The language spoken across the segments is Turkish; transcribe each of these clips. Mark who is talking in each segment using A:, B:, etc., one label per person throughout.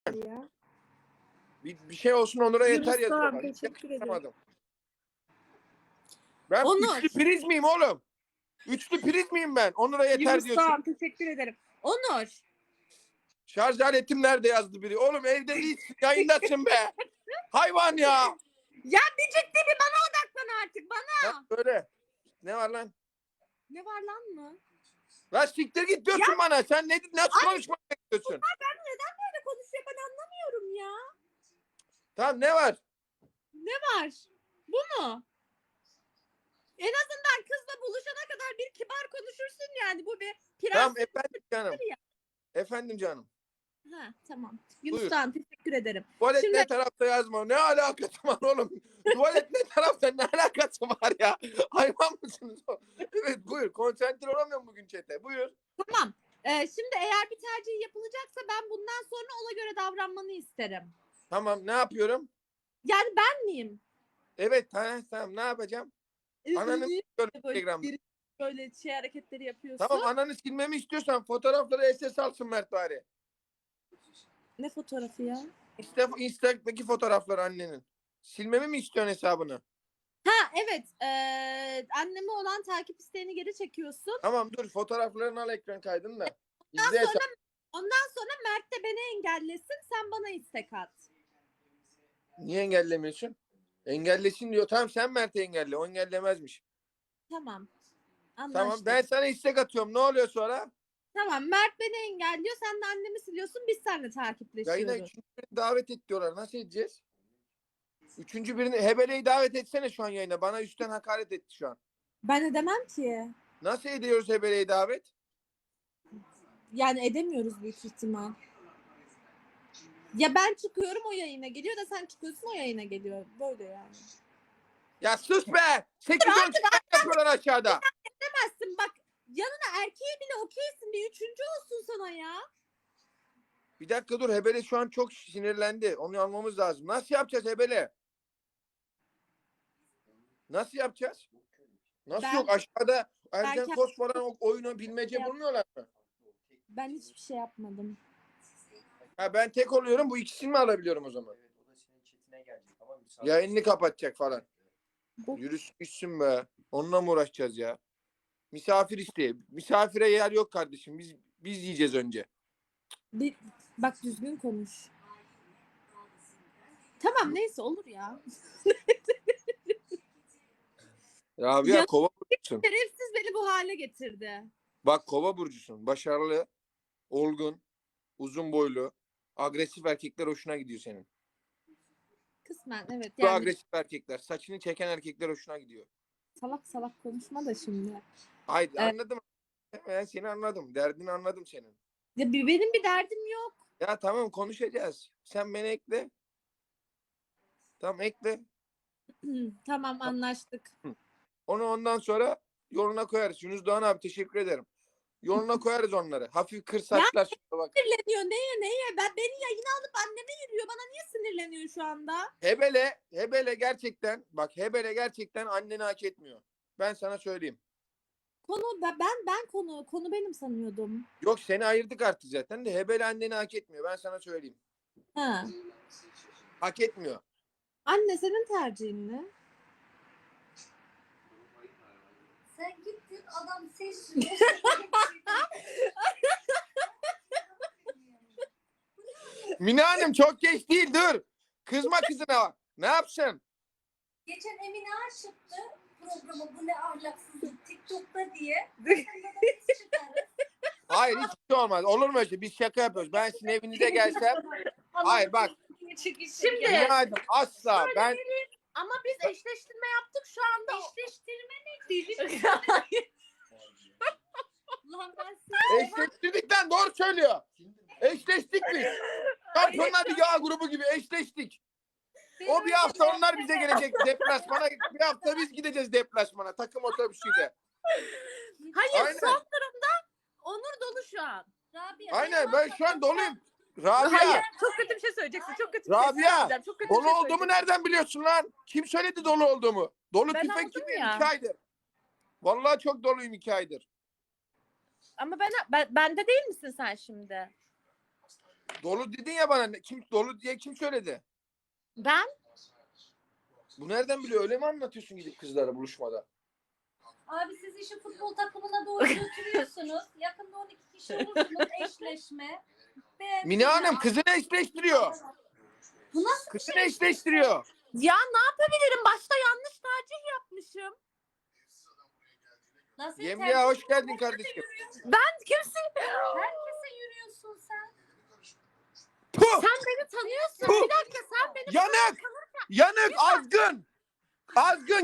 A: ya.
B: Bir şey olsun Onur'a yeter
A: Yunus Doğan,
B: yazıyorlar. Hiç
A: teşekkür ederim.
B: yakıştıramadım. Ben
C: Onur.
B: üçlü priz miyim oğlum? Üçlü priz miyim ben? Onur'a yeter
A: Yunus
B: diyorsun.
A: Doğan, teşekkür ederim.
C: Onur.
B: Şarj aletim nerede yazdı biri? Oğlum evde değilsin, yayındasın be. Hayvan ya.
C: Ya bir ciddi bir bana odaklan artık bana.
B: Ha, böyle. Ne var lan?
C: Ne var lan mı?
B: Lan siktir git diyorsun bana. Sen nasıl konuşmak istiyorsun?
C: Ben neden böyle konuşuyor ben anlamıyorum ya.
B: Tamam ne var?
C: Ne var? Bu mu? En azından kızla buluşana kadar bir kibar konuşursun yani. Bu bir prens.
B: Tamam efendim canım.
C: ya.
B: Efendim canım.
C: Ha, tamam. Yunus
B: Buyur.
C: Doğan teşekkür ederim.
B: Tuvalet
C: Şimdi-
B: ne tarafta yazma. Ne alakası var oğlum? Tuvalet ne tarafta, ne alakası var ya? Hayvan mısınız? Evet buyur. Konsantre olamıyorum bugün chat'e. Buyur.
C: Tamam. Şimdi eğer bir tercih yapılacaksa ben bundan sonra ona göre davranmanı isterim.
B: Tamam ne yapıyorum?
C: Yani ben miyim?
B: Evet tamam ne yapacağım? Ananı s***yorum Instagram'da.
C: Böyle şey hareketleri yapıyorsun.
B: Tamam ananı silmemi istiyorsan fotoğrafları SS alsın Mert bari.
C: Ne fotoğrafı ya?
B: Instagram'daki fotoğraflar annenin. Silmemi mi istiyorsun hesabını?
C: Ha evet. Anneme olan takip isteğini geri çekiyorsun.
B: Tamam dur fotoğraflarını al ekran kaydını da.
C: Ondan
B: İzle hesabı.
C: Ondan sonra Mert de beni engellesin. Sen bana istek at.
B: Niye engellemiyorsun? Engellesin diyor. Tamam sen Mert'i engelle. O engellemezmiş.
C: Tamam.
B: Tamam
C: Anlaştık.
B: ben sana istek atıyorum. Ne oluyor sonra?
C: Tamam. Mert beni engelliyor. Sen de annemi siliyorsun. Biz seninle takipleşiyoruz.
B: Yayına üçüncü birini davet et diyorlar. Nasıl edeceğiz? Üçüncü birini Hebele'yi davet etsene şu an yayına. Bana üstten hakaret etti şu an.
C: Ben edemem ki.
B: Nasıl ediyoruz Hebele'yi davet?
C: Yani edemiyoruz büyük ihtimal. Ya ben çıkıyorum o yayına geliyor da sen çıkıyorsun o yayına geliyor. Böyle yani.
B: Ya sus be! 8-10 kişi yapıyorlar aşağıda.
C: Edemezsin bak. Yanına erkeğe bile okeysin. Bir üçüncü olsun sana ya.
B: Bir dakika dur. Hebele şu an çok sinirlendi. Onu almamız lazım. Nasıl yapacağız Hebele? Nasıl yapacağız? Nasıl
C: Ben-
B: yok? Aşağıda Ercan
C: kendim-
B: Kos falan o oyunu bilmece bulmuyorlar mı?
C: Ben hiçbir şey yapmadım.
B: Ha ben tek oluyorum. Bu ikisini mi alabiliyorum o zaman?
D: Evet, o da senin chatine gelecek ama bir saat-
B: Yayını kapatacak falan.
C: Bu-
B: Yürüsün be. Onunla mı uğraşacağız ya? Misafir isteği. Misafire yer yok kardeşim. Biz yiyeceğiz önce.
C: Bak düzgün konuş. Tamam neyse olur ya.
B: Rabia
C: Ya-
B: kova burcusun.
C: Şerefsiz beni bu hale getirdi.
B: Bak kova burcusun. Başarılı, olgun, uzun boylu, agresif erkekler hoşuna gidiyor senin.
C: Kısmen evet.
B: Bu
C: Yani
B: agresif erkekler, saçını çeken erkekler hoşuna gidiyor.
C: salak salak konuşma da şimdi.
B: Haydi
C: Evet.
B: anladım. Ben seni anladım. Derdini anladım senin.
C: Ya benim bir derdim yok.
B: Ya tamam konuşacağız. Sen beni ekle. Tamam ekle.
C: Tamam anlaştık.
B: Onu ondan sonra yoluna koyarız. Yunus Doğan abi teşekkür ederim. Yoluna koyarız onları. Hafif kır saçlar. Şuna bak.
C: Sinirleniyor neye? Beni yayına alıp anneme yürüyor. Bana niye sinirleniyor şu anda?
B: Hebele gerçekten bak Hebele gerçekten anneni hak etmiyor. Ben sana söyleyeyim.
C: Ben konu benim sanıyordum.
B: Yok seni ayırdık artık zaten de Hebele anneni hak etmiyor. Ben sana söyleyeyim.
C: Ha.
B: Hak etmiyor.
C: Anne senin tercihin ne?
E: Sen gittin adam seçti.
B: Mine Hanım çok geç değil dur. Kızma kızına. Ne yapsın?
E: Geçen Emine Aşık'tı programı bu ne ahlaksızlık TikTok'ta diye.
B: Hayır hiç şey olmaz. Olur mu öyle şey? Biz şaka yapıyoruz. Ben sizin evinize gelsem. Hayır bak.
C: Şimdi
B: Mine Hanım asla. Ben
C: ama biz eşleştirme yaptık şu anda.
E: Eşleştirme ne değil? Lan ben
B: eşleştirdik lan doğru söylüyor. Eşleştik biz. Şampiyonlar Ligi A grubu gibi eşleştik. O bir hafta onlar bize gelecek deplasmana. Bir hafta biz gideceğiz deplasmana. Takım otobüsüyle.
C: Hayır
B: Aynen.
C: son durumda Onur dolu şu an.
E: Rabia,
B: Aynen ben şu an doluyum. Rabia.
C: Hayır çok kötü bir şey söyleyeceksin. Çok kötü bir şey
B: Rabia.
C: söyleyeceğim. Çok kötü bir
B: Dolu
C: şey
B: olduğumu
C: söyleyeceğim.
B: nereden biliyorsun lan? Kim söyledi dolu olduğumu? Dolu
C: Ben
B: tüfek
C: oldum
B: gibi
C: ya.
B: 2 aydır. Vallahi çok doluyum 2 aydır.
C: Ama bende değil misin sen şimdi?
B: Dolu dedin ya bana. Kim dolu diye kim söyledi?
C: Ben
B: Bu nereden biliyor? Öyle mi anlatıyorsun gidip kızlara buluşmada?
E: Abi siz işi futbol takımına doğru götürüyorsunuz. Yakında 12 kişi olursunuz eşleşme.
B: Mine Hanım kızını eşleştiriyor.
E: Bu nasıl bir
B: Kızını
E: şey?
B: eşleştiriyor.
C: ya ne yapabilirim? Başta yanlış tercih yapmışım.
E: Nasıl
B: Yemliğe hoş geldin kardeşim.
C: Ben kimsin?
E: Herkese yürüyorsun sen.
B: Puh!
C: Sen beni tanıyorsun.
B: Puh!
C: Bir dakika sen beni
B: Yanık! Yanık! Azgın! Azgın!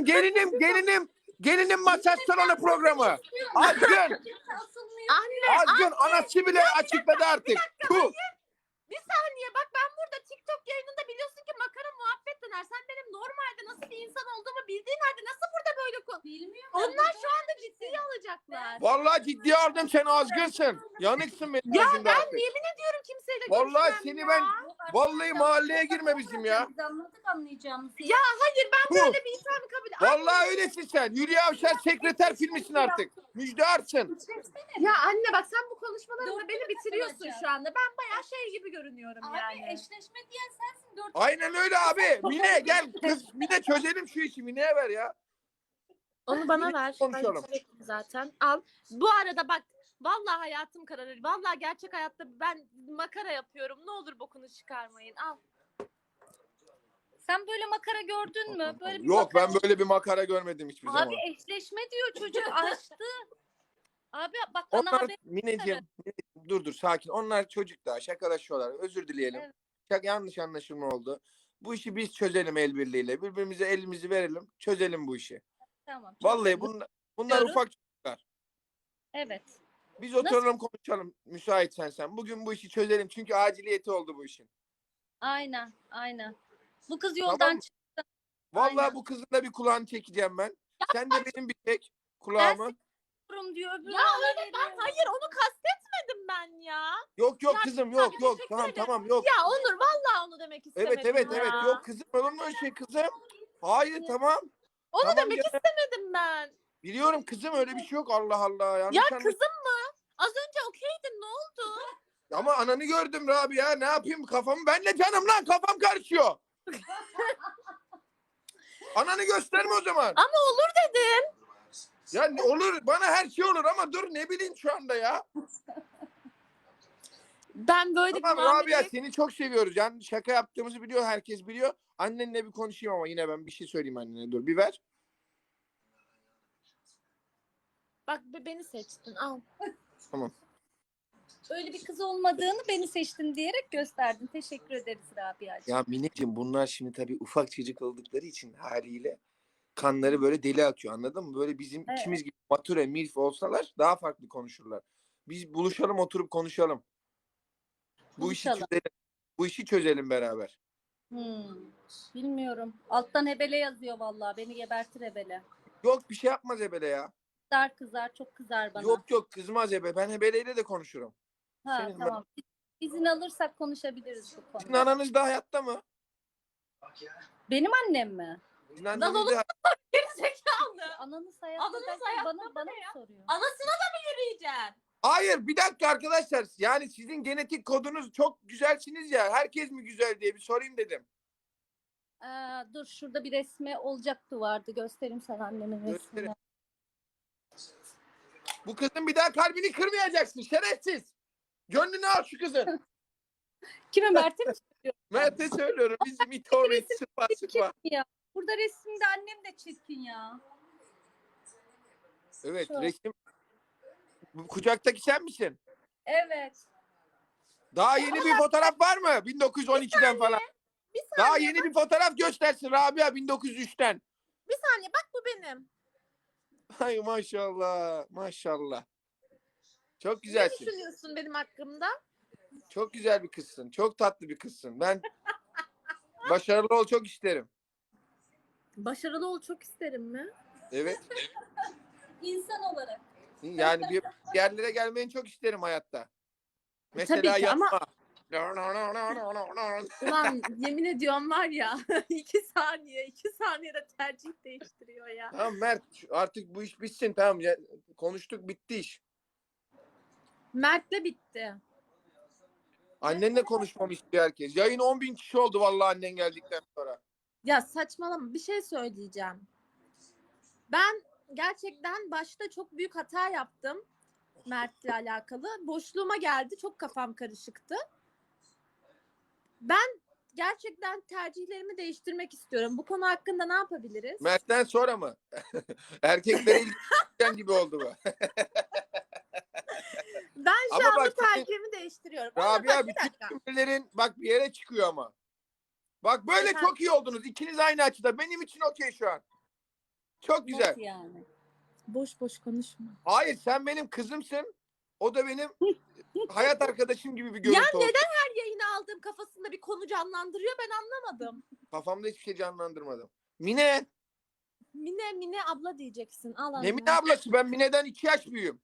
B: Gelinim masaj salonu programı. Azgın!
E: Kimse asılmıyor.
C: Anne
B: Azgın! Anası bile açıkladı artık. Puh!
C: bir saniye bak ben burada TikTok yayınında biliyorsun ki makara muhabbet döner. Sen benim normalde nasıl bir insan olduğumu bildiğin halde nasıl burada böyle
E: Bilmiyorum.
C: Onlar şu anda ciddiye alacaklar.
B: Vallahi ciddiye aldım, sen azgınsın. Yanıksın benim
C: Ya
B: gözümde
C: ben
B: artık.
C: yemin ediyorum kimseyle
B: Vallahi
C: görüşmem
B: seni
C: ya.
B: ben vallahi mahalleye girme bizim ya.
E: Biz anladık anlayacağımızı.
C: Ya hayır ben
B: Puh!
C: böyle bir insanı kabul
B: Vallahi öylesin sen. Hülya Avşar sekreter filmisin artık. Müjdarsın.
C: Ya anne bak sen bu konuşmalarında
E: Dört
C: beni
E: kere
C: bitiriyorsun
E: katılacağım.
C: şu anda. Ben bayağı şey gibi görünüyorum
E: Abi
C: yani.
E: eşleşme diyen sensin. 4
B: Aynen öyle abi. Mine gel kız. Mine çözelim şu işi. Mine'ye ver ya.
C: Onu bana ver.
B: konuşalım.
C: Ben zaten al. Bu arada bak vallahi hayatım kararır. Vallahi gerçek hayatta ben makara yapıyorum. Ne olur bokunu çıkarmayın. Al.
E: Sen böyle makara gördün mü? Böyle bir
B: Yok
E: makara...
B: ben böyle bir makara görmedim hiçbir zaman.
E: Abi eşleşme diyor çocuk açtı. Abi bak bana
B: Onlar
E: haber.
B: Mineciğim, dur sakin. Onlar çocuk daha şakalaşıyorlar. Özür dileyelim.
E: Evet.
B: Yanlış anlaşılma oldu. Bu işi biz çözelim el birliğiyle. Birbirimize elimizi verelim. Çözelim bu işi.
E: Tamam.
B: Vallahi bunlar
E: Diyoruz.
B: ufak çocuklar.
E: Evet.
B: Biz oturalım konuşalım müsaitsen sen. Bugün bu işi çözelim çünkü aciliyeti oldu bu işin.
E: Aynen. Aynen. Bu kız yoldan
B: Tamam.
E: çıktı.
B: Vallahi
E: Aynen.
B: bu kızın da bir kulağını çekeceğim ben. Sen de benim bir çek kulağımı.
E: Diyor öbürü.
C: Ya öyle ben hayır onu kastetmedim ben ya.
B: Yok
C: Ya,
B: kızım yok.
C: teşekkür
B: Tamam
C: ederim.
B: tamam yok.
C: Ya Onur vallahi onu demek istemedim
B: Evet
C: ya.
B: yok kızım olur mu öyle şey kızım? Hayır tamam.
C: Onu
B: Tamam,
C: demek
B: ya.
C: istemedim ben.
B: Biliyorum kızım öyle bir şey yok Allah Allah. Yanlış
C: Ya
B: anlaş-
C: kızım mı? Az önce okeydin ne oldu?
B: Ama ananı gördüm Rabia ne yapayım kafamı benle canım lan kafam karışıyor. Ananı gösterme o zaman.
C: Ama olur dedim.
B: Ya olur bana her şey olur ama dur ne bileyim şu anda ya.
C: Ben böyle
B: Tamam
C: bir muamele-
B: Rabia seni çok seviyoruz. Yani şaka yaptığımızı biliyor herkes biliyor. Annenle bir konuşayım ama yine ben bir şey söyleyeyim annene dur bir ver.
C: Bak beni seçtin al.
B: Tamam.
E: Öyle bir kız olmadığını beni seçtin diyerek gösterdin. Teşekkür ederiz Rabia'cığım.
B: Ya Mineciğim bunlar şimdi tabii ufak çocuk oldukları için haliyle kanları böyle deli akıyor anladın mı? Böyle bizim
E: Evet.
B: ikimiz gibi mature milf olsalar daha farklı konuşurlar. Biz buluşalım oturup konuşalım. Bu işi
E: Buluşalım.
B: çözelim. Bu işi çözelim beraber.
E: Bilmiyorum. Alttan hebele yazıyor vallahi. Beni gebertir hebele.
B: Yok bir şey yapmaz Ebele ya.
E: Kızar çok kızar bana.
B: Yok kızmaz Ebe. Ben Ebele'yle de konuşurum.
E: Ha
B: senin-
E: tamam. İzin alırsak konuşabiliriz bu
B: Sizin
E: konuda.
B: ananız da hayatta mı?
E: Benim annem mi?
B: Sizin anneniz de
C: Gerizekalı.
E: Ananız hayatta
C: Ananız
E: derken
C: hayatta
E: bana
C: ne
E: mı
C: ya?
E: soruyor?
C: Anasına da mı yürüyeceksin?
B: Hayır bir dakika arkadaşlar. Yani sizin genetik kodunuz çok güzelsiniz ya. Herkes mi güzel diye bir sorayım dedim.
E: Dur şurada bir resmi olacaktı vardı. Göstereyim sana annemin
B: Gösterin.
E: resmini.
B: Bu kızın bir daha kalbini kırmayacaksın şerefsiz. Gönlünü al şu kızın.
E: Kime Mert'e mi söylüyor?
B: Mert'e söylüyorum. Bizim itoğlu sıkma.
E: Çirkin ya. Burada resimde annem de çirkin ya.
B: Evet
E: Şu.
B: resim. Bu kucaktaki sen misin?
E: Evet.
B: Daha yeni bir fotoğraf var mı? 1912'den falan.
C: Bir
B: Daha
C: saniye,
B: yeni bir fotoğraf göstersin Rabia 1903'ten.
C: bir saniye bak bu benim.
B: Ay maşallah. Maşallah. Çok
C: Ne
B: güzelsin.
C: düşünüyorsun benim hakkımda?
B: Çok güzel bir kızsın. Çok tatlı bir kızsın. Ben başarılı ol çok isterim.
C: Başarılı ol çok isterim mi?
B: Evet.
E: İnsan olarak.
B: Yani bir yerlere gelmeyi çok isterim hayatta. Mesela
C: Tabii ki ama-
B: yapma.
C: Ulan yemin ediyorum var ya 2 saniyede tercih değiştiriyor ya.
B: Tamam Mert artık bu iş bitsin tamam ya, konuştuk bitti iş.
C: Mert'le bitti.
B: Annenle konuşmamı istiyor herkes. Yayın 10.000 kişi oldu vallahi annen geldikten sonra.
C: Ya saçmalama, bir şey söyleyeceğim. Ben gerçekten başta çok büyük hata yaptım Mert'le alakalı. Boşluğuma geldi. Çok kafam karışıktı. Ben gerçekten tercihlerimi değiştirmek istiyorum. Bu konu hakkında ne yapabiliriz?
B: Mert'ten sonra mı? Erkeklere ilgilen gibi oldu bu.
C: Ben şu
B: Ama
C: anda
B: bak senin-
C: tercihimi değiştiriyorum. Ama
B: Rabia
C: bak, bir
B: bütün
C: dakika.
B: cümlelerin bak bir yere çıkıyor ama. Bak böyle
C: Efendim?
B: çok iyi oldunuz. İkiniz aynı açıda. Benim için okey şu an. Çok güzel.
E: Nasıl yani?
C: Boş boş konuşma.
B: Hayır sen benim kızımsın. O da benim hayat arkadaşım gibi bir görüntü
C: Ya
B: oldu.
C: neden her yayını aldığım kafasında bir konu canlandırıyor, ben anlamadım.
B: Kafamda hiçbir şey canlandırmadım. Mine.
C: Mine abla diyeceksin. Al
B: Ne
C: anne.
B: Mine ablası? Ben Mine'den 2 yaş büyüğüm.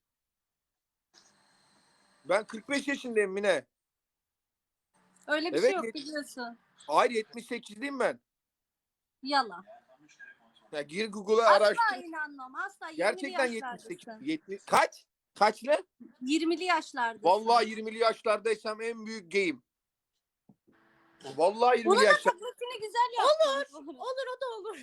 B: Ben 45 yaşındayım Mine.
E: Öyle bir
B: Evet,
E: şey yok biliyorsun.
B: Hayır 78'liyim ben.
E: Yalan.
B: Ya gir Google'a
E: Asla
B: araştır.
E: inanmam. Asla 20'li
B: Gerçekten
E: yaşlardasın.
B: 78. 70. Kaç? Kaçlı?
E: 20'li yaşlardasın.
B: Vallahi 20'li yaşlardaysam en büyük gayim. Vallahi 20'li
E: Bunu da
B: yaşlar.
E: taklitini güzel yaptın.
C: Olur, o da olur.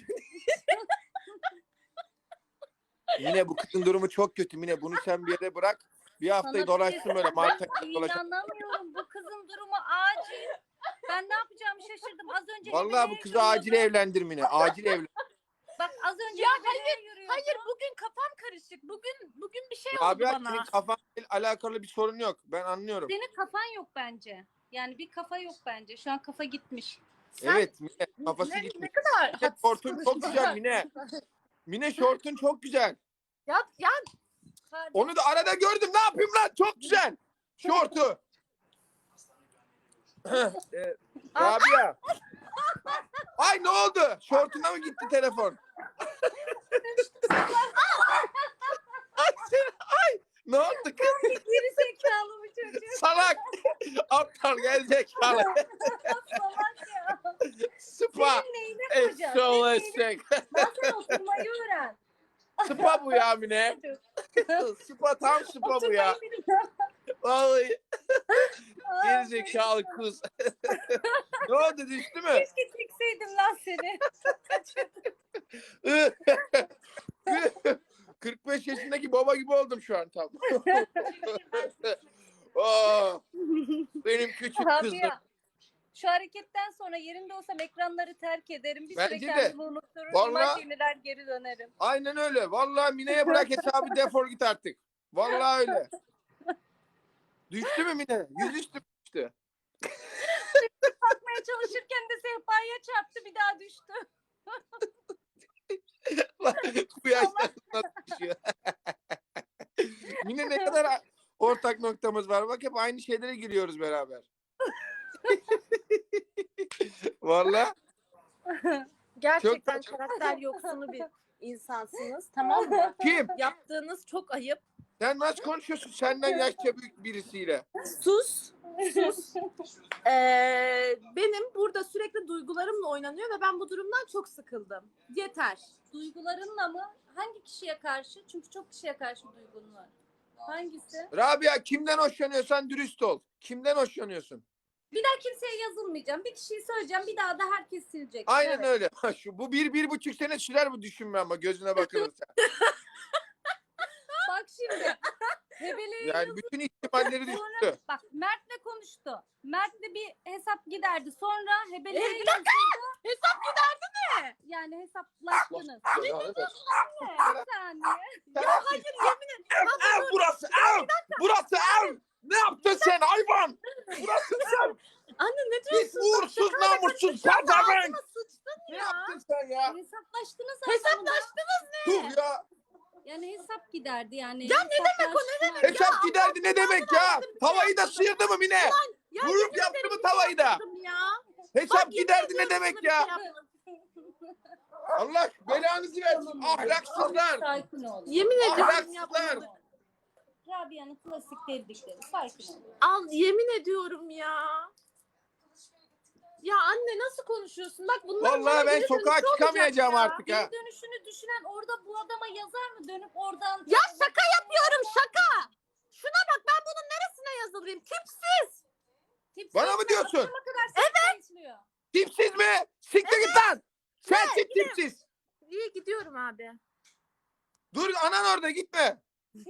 B: Mine bu kızın durumu çok kötü Mine. Bunu sen bir yere bırak. Bir haftayı
E: Sana
B: dolaşsın böyle. Mart'a dolaşsın.
E: İnanamıyorum. Bu kızın durumu acil. Ben ne yapacağımı şaşırdım. Az önce
B: Vallahi bu
E: Hebele'ye
B: kızı acil
E: yürüyordu.
B: evlendir Mine. Acil evlen.
E: Bak az önce
C: Ya
E: Hebele'ye yürüyordu.
C: Hayır, bugün kafam karışık. Bugün bir şey oldu
B: Rabia
C: bana.
B: senin kafanla alakalı bir sorun yok. Ben anlıyorum.
E: Senin kafan yok bence. Yani bir kafa yok bence. Şu an kafa gitmiş.
B: Evet Mine kafası
C: ne
B: gitmiş.
C: kadar
B: Mine, şortun çok güzel Mine. Mine şortun çok güzel.
C: Ya
E: Kardeşim,
B: Onu da arada gördüm. Ne yapayım lan? Çok güzel. Şortu. Rabia. Ay ne oldu? Şortuna mı gitti telefon? Ay ne oldu kız?
E: geri zekalı bu çocuk.
B: Salak. Aptal gerizekalı.
E: Salak ya.
B: Spa.
E: Senin neyine kocan?
B: Eşşoğlu eşek.
E: Lan sen oturmayı öğren.
B: Spa bu ya Mine. Spa tam spa bu ya.
E: Oturmayı bilmiyor.
B: Vallahi
E: Aa,
B: gerizekalı kız. Ne oldu düştü mü?
E: Keşke çekseydim lan seni.
B: 45 yaşındaki baba gibi oldum şu an tam. Aa, benim küçük
E: Abi
B: kızım.
E: ya, şu hareketten sonra yerinde olsam ekranları terk ederim. Bir süre
B: Bence de.
E: kendimi unuturum.
B: Vallahi-
E: İmajinler geri dönerim.
B: Aynen öyle. Vallahi Mine'ye bırak hesabı defol git artık. Vallahi öyle. Düştü mü Mine? Yüzüstü mü düştü?
E: Bakmaya çalışırken de sehpaya çarptı, bir daha düştü.
B: Bu yaşta nasıl düşüyor? Mine ne kadar ortak noktamız var. Bak hep aynı şeylere giriyoruz beraber. Vallahi
C: gerçekten
B: Çok-
C: karakter yoksunu bir insansınız, tamam mı?
B: kim?
C: Yaptığınız çok ayıp.
B: Sen nasıl konuşuyorsun senden yaşça büyük birisiyle?
C: Sus. Benim burada sürekli duygularımla oynanıyor ve ben bu durumdan çok sıkıldım. Yeter.
E: Duygularınla mı? Hangi kişiye karşı? Çünkü çok kişiye karşı duygun var. Hangisi?
B: Rabia kimden hoşlanıyorsan dürüst ol. Kimden hoşlanıyorsun?
E: Bir daha kimseye yazılmayacağım. Bir kişiyi söyleyeceğim. Bir daha da herkes silecek.
B: Aynen
E: Evet.
B: öyle. Bu 1,5 sene sürer bu düşünme ama gözüne bakılırsa.
E: Bak şimdi. Hebele'ye
B: Yani bütün ihtimalleri düştü.
E: Bak Mert'le konuştu. Mert'le bir hesap giderdi. Sonra Hebele'ye
C: Bir dakika! Hesap giderdi mi?
E: yani hesaplaştınız. Bir saniye.
C: Ya hayır, yemin ederim.
B: Ev burası ev! Burası ev! Ne yaptın sen hayvan? Burası sen!
C: Anne ne
B: Pis
C: diyorsun?
B: uğursuz namussuz
C: Ya
B: pezevenk!
C: ağzıma sıçtın
B: Ne
C: ya.
B: yaptın sen ya?
E: Hesaplaştınız.
C: Hesaplaştınız ne?
B: Dur ya!
E: Yani hesap giderdi yani.
C: Ya ne demek o, ne demek?
B: Hesap giderdi ne demek ya? Tavayı da sıyırdı mı Mine?
C: Ya
B: Vurup
C: yemin
B: yaptı
C: ederim
B: mı
C: bir şey
B: tavayı da?
C: yapmadım ya.
B: Hesap
C: Bak, yemin
B: giderdi ne
C: ediyorum
B: demek
C: sana bir şey
B: ya?
C: yapmadım.
B: Allah belanızı versin ahlaksızlar!
E: Sakin olun.
C: Yemin ediyorum
B: Ahlaksızlar!
C: yapmadım.
E: Rabia'nın klasik dedikleri. Sakin olun.
C: Al, yemin ediyorum ya. Ya anne nasıl konuşuyorsun? Bak bunlar
B: Vallahi ben sokağa çıkamayacağım artık ha.
E: Geri dönüşünü düşünen orada bu adama yazar mı? Dönüp oradan...
C: Ya şaka yapıyorum, şaka. Şuna bak, ben bunun neresine yazılayım? Tipsiz.
E: Tipsiz
B: Bana mı diyorsun?
E: akşama kadar seni besliyor.
B: Tipsiz mi? Siktir git lan. Sensin tipsiz.
C: İyi gidiyorum abi.
B: Dur anan orada gitme.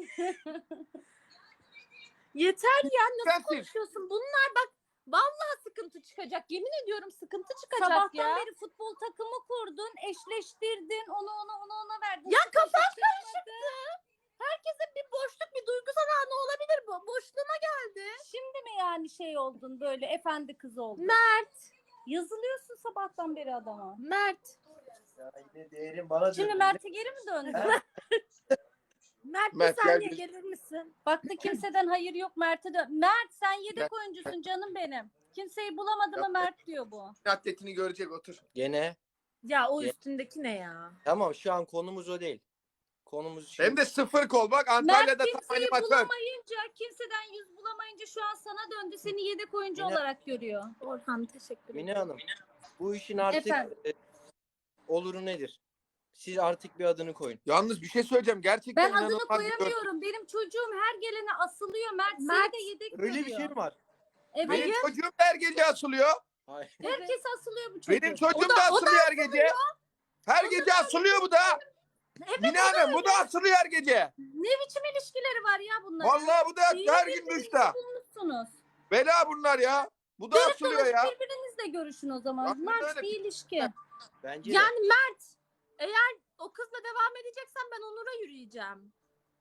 C: Yeter ya, nasıl
B: Sensin.
C: konuşuyorsun? Bunlar bak vallahi sıkıntı çıkacak. Yemin ediyorum sıkıntı çıkacak
E: Sabahtan
C: ya.
E: beri futbol takımı kurdun, eşleştirdin, onu ona verdin.
C: Ya
E: Hiç
C: kafam
E: çıkmadı.
C: karışıktı. Herkesin bir boşluk, bir duygusal anı olabilir bu. Boşluğuma geldi.
E: Şimdi mi yani şey oldun böyle efendi kız oldun?
C: Mert.
E: Yazılıyorsun sabahtan beri adama.
C: Mert.
D: Ya yine değerim bana
E: Şimdi
D: döndü.
E: Mert'e geri mi döndü?
C: Mert,
B: Mert,
C: bir saniye
B: gel.
C: gelir misin?
E: Baktı kimseden hayır yok Mert'e dön. Mert sen yedek
B: Mert.
E: oyuncusun canım benim. Kimseyi bulamadı mı Mert diyor bu.
B: Atletini görecek otur.
A: Gene
C: Ya o üstündeki ne ya?
A: tamam, şu an konumuz o değil. Konumuz
B: Hem de 0 kol bak Antalya'da
E: Mert
B: tam
E: kimseyi
B: animatör.
E: bulamayınca, kimseden yüz bulamayınca şu an sana döndü. Seni yedek oyuncu
A: Yine-
E: olarak görüyor.
C: Orhan teşekkür
A: Mine
C: ederim.
A: Hanım, bu işin artık
E: Efendim?
A: oluru nedir? Siz artık bir adını koyun.
B: Yalnız bir şey söyleyeceğim. Gerçekten
E: Ben adını
B: inanılmaz bir gör-
E: koyamıyorum. Benim çocuğum her gelene asılıyor. Mert seni
C: Mert,
E: de yedek
A: Öyle bir
E: görüyor.
A: şey mi var?
E: Evet.
B: Benim çocuğum da her gece asılıyor.
A: Hayır.
E: Herkes asılıyor bu çocuğu.
B: Benim çocuğum
C: O da-
B: da
C: o da
B: asılıyor her gece. Her gece asılıyor bu da. Mine Hanım bu da asılıyor her gece.
E: Ne biçim ilişkileri var ya bunların?
B: Vallahi bu da
E: İyi
B: her gün
E: birbirinizi
B: duşta.
E: bulmuşsunuz.
B: Bela bunlar ya. Bu da asılıyor ya.
E: Birbirinizle görüşün o zaman.
B: Aynen
E: Mert
B: öyle.
E: bir ilişki.
A: Bence de.
C: Yani Mert, eğer o kızla devam edeceksen ben Onur'a yürüyeceğim.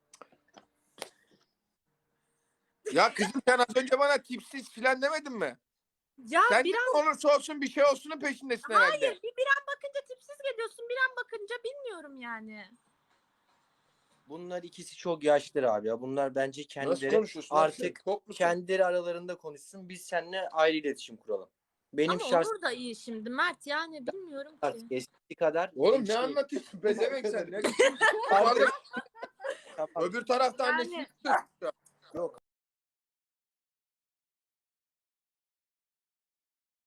B: Ya kızım sen az önce bana tipsiz filan demedin mi?
C: Ya
B: Sen
C: bir an,
B: ne olursa olsun bir şey olsunun peşindesin herhalde.
C: hayır, bir an bakınca tipsiz geliyorsun, bir an bakınca bilmiyorum yani.
A: Bunlar ikisi çok yaşlıdır abi ya. Bunlar bence
B: Nasıl
A: kendileri
B: konuşuyorsun?
A: artık
B: Tok musun?
A: kendileri aralarında konuşsun. Biz seninle ayrı iletişim kuralım. Benim
C: Ama
A: şahs
C: Onur da iyi şimdi Mert, yani bilmiyorum ki.
A: artık eskisi kadar
B: Oğlum ne
A: şey-
B: anlatıyorsun? Bezemek sen. Ne?
A: Artık-
B: Öbür tarafta
C: Yani-
B: annesi.